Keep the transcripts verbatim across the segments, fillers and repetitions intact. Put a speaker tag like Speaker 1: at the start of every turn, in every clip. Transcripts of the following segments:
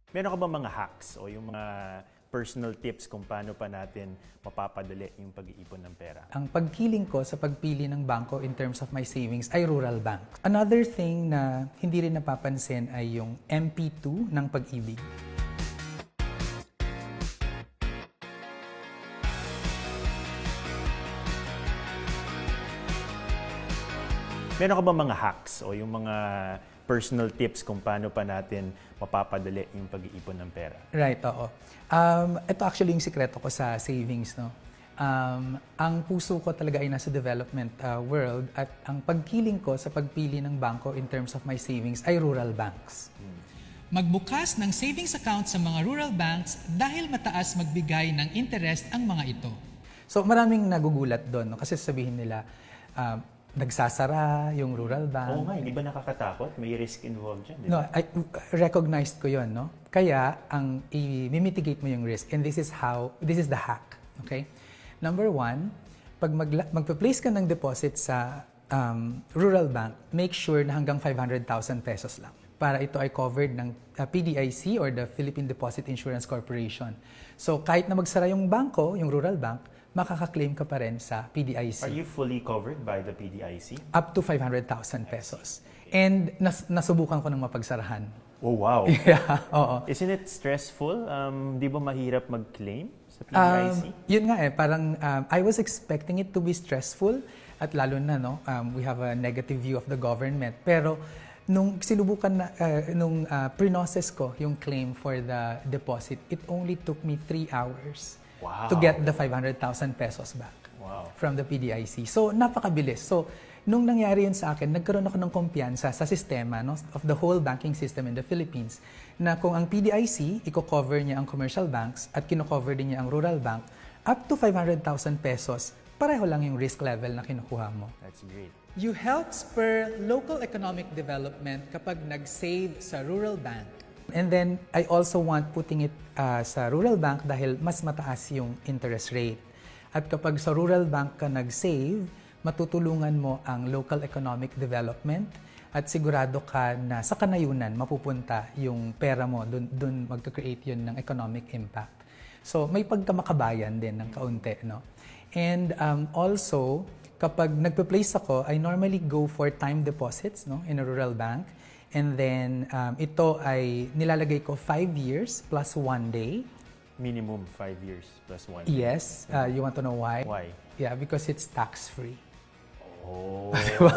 Speaker 1: Meron ka ba mga hacks o yung mga personal tips kung paano pa natin mapapadali yung pag-iipon ng pera?
Speaker 2: Ang pagkiling ko sa pagpili ng bangko in terms of my savings ay rural bank. Another thing na hindi rin napapansin ay yung M P two ng pag-ibig.
Speaker 1: Meron ka ba mga hacks o yung mga personal tips kung paano pa natin mapapadali yung pag-iipon ng pera?
Speaker 2: Right, oo. Um, ito actually yung sikreto ko sa savings, no? Um, ang puso ko talaga ay nasa development uh, world at ang pagkiling ko sa pagpili ng bangko in terms of my savings ay rural banks.
Speaker 3: Magbukas ng savings account sa mga rural banks dahil mataas magbigay ng interest ang mga ito.
Speaker 2: So maraming nagugulat doon, no? Kasi sabihin nila, um, nagsasara yung rural bank.
Speaker 1: Oo nga, hindi ba nakakatakot? May risk involved dyan, di
Speaker 2: No,
Speaker 1: ba?
Speaker 2: I recognized ko 'yon, no? Kaya ang i-mitigate mo yung risk, and this is how, this is the hack, okay? Number one, pag magla- magpa-place ka ng deposit sa um, rural bank, make sure na hanggang five hundred thousand pesos lang para ito ay covered ng uh, P D I C or the Philippine Deposit Insurance Corporation. So kahit na magsara yung bangko, yung rural bank, makaka-claim ka pa rin sa P D I C.
Speaker 1: Are you fully covered by the P D I C?
Speaker 2: Up to five hundred thousand pesos. And nas- nasubukan ko ng mapagsarahan.
Speaker 1: Oh, wow.
Speaker 2: Yeah, oo.
Speaker 1: Isn't it stressful? Um, di ba mahirap mag-claim sa P D I C?
Speaker 2: Um, yun nga eh, parang um, I was expecting it to be stressful at lalo na, no, um, we have a negative view of the government. Pero nung sinubukan na, uh, nung uh, pre-process ko yung claim for the deposit, it only took me three hours
Speaker 1: Wow.
Speaker 2: to get the five hundred thousand pesos back
Speaker 1: Wow.
Speaker 2: from the P D I C. So, napakabilis. So, nung nangyari yun sa akin, nagkaroon ako ng kumpiyansa sa sistema, no, of the whole banking system in the Philippines, na kung ang P D I C, i-cover niya ang commercial banks at kino-cover din niya ang rural bank, up to five hundred thousand pesos, pareho lang yung risk level na kinukuha mo.
Speaker 1: That's great.
Speaker 3: You help spur local economic development kapag nag-save sa rural bank.
Speaker 2: And then, I also want putting it uh, sa rural bank dahil mas mataas yung interest rate. At kapag sa rural bank ka nag-save, matutulungan mo ang local economic development at sigurado ka na sa kanayunan mapupunta yung pera mo, dun, dun magka-create yun ng economic impact. So, may pagkamakabayan din ng kaunti, no? And um, also, kapag nagpe-place ako, I normally go for time deposits, no, in a rural bank. And then, um, ito ay nilalagay ko five years plus one day.
Speaker 1: Minimum five years plus one.
Speaker 2: Yes. Uh, you want to know why?
Speaker 1: Why?
Speaker 2: Yeah, because it's tax-free.
Speaker 1: Oh.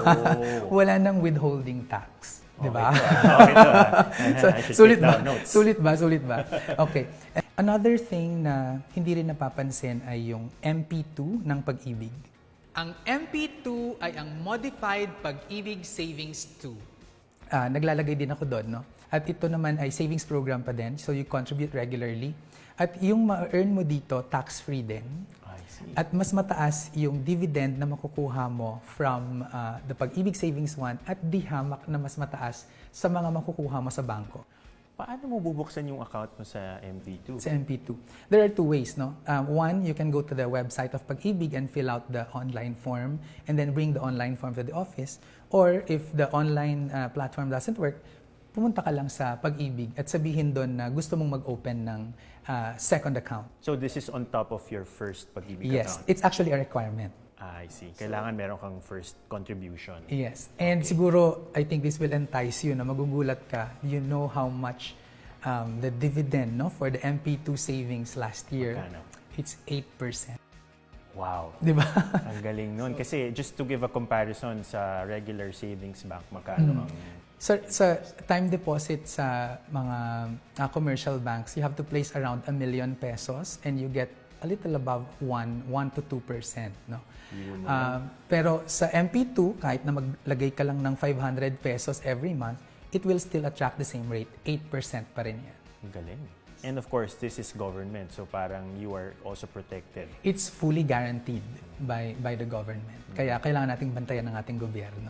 Speaker 2: Wala nang withholding tax. Di ba?
Speaker 1: Okay to, ah.
Speaker 2: So,
Speaker 1: I should
Speaker 2: sulit
Speaker 1: take
Speaker 2: ba?
Speaker 1: down notes.
Speaker 2: Sulit ba? Sulit ba? Okay. Another thing na hindi rin napapansin ay yung M P two ng pag-ibig.
Speaker 3: Ang M P two ay ang Modified Pag-ibig Savings two.
Speaker 2: Uh, naglalagay din ako doon, no? At ito naman ay savings program pa din, so you contribute regularly. At yung ma-earn mo dito, tax-free din.
Speaker 1: I see.
Speaker 2: At mas mataas yung dividend na makukuha mo from uh, the Pag-ibig Savings one at di hamak na mas mataas sa mga makukuha mo sa bangko.
Speaker 1: Paano mo bubuksan yung account mo sa M P two?
Speaker 2: Sa M P two. There are two ways, no? Um, one, you can go to the website of Pag-ibig and fill out the online form and then bring the online form to the office. Or if the online uh, platform doesn't work, pumunta ka lang sa Pag-ibig at sabihin doon na gusto mong mag-open ng uh, second account.
Speaker 1: So this is on top of your first Pag-ibig
Speaker 2: Yes,
Speaker 1: account?
Speaker 2: it's actually a requirement.
Speaker 1: Ah, I see. Kailangan meron kang first contribution.
Speaker 2: Yes. And siguro, I think this will entice you na magugulat ka. You know how much um, the dividend, no, for the M P two savings last year.
Speaker 1: Magkano?
Speaker 2: It's eight percent.
Speaker 1: Wow.
Speaker 2: Di ba?
Speaker 1: Ang galing nun. Kasi just to give a comparison sa regular savings bank, magkano ang...
Speaker 2: Sa, sa time deposit sa mga uh, commercial banks, you have to place around a million pesos and you get a little above one, one to two percent. No? Uh, pero sa M P two, kahit na maglagay ka lang ng five hundred pesos every month, it will still attract the same rate, eight percent pa rin yan.
Speaker 1: Ang galing. And of course, this is government, so parang you are also protected.
Speaker 2: It's fully guaranteed by by the government. Kaya kailangan nating bantayan ng ating gobyerno.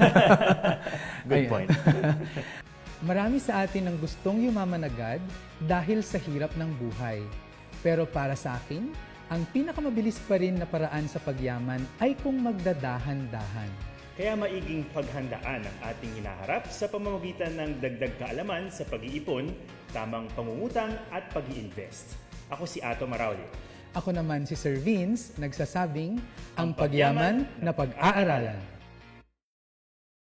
Speaker 1: Good
Speaker 2: Ayan.
Speaker 1: point.
Speaker 3: Marami sa atin ang gustong yumaman agad dahil sa hirap ng buhay. Pero para sa akin, ang pinakamabilis pa rin na paraan sa pagyaman ay kung magdadahan-dahan.
Speaker 1: Kaya maiging paghandaan ang ating hinaharap sa pamamagitan ng dagdag kaalaman sa pag-iipon, tamang pangungutang at pag-i-invest. Ako si Ato Marauli.
Speaker 3: Ako naman si Sir Vince, nagsasabing, ang pagyaman na pag-aaralan.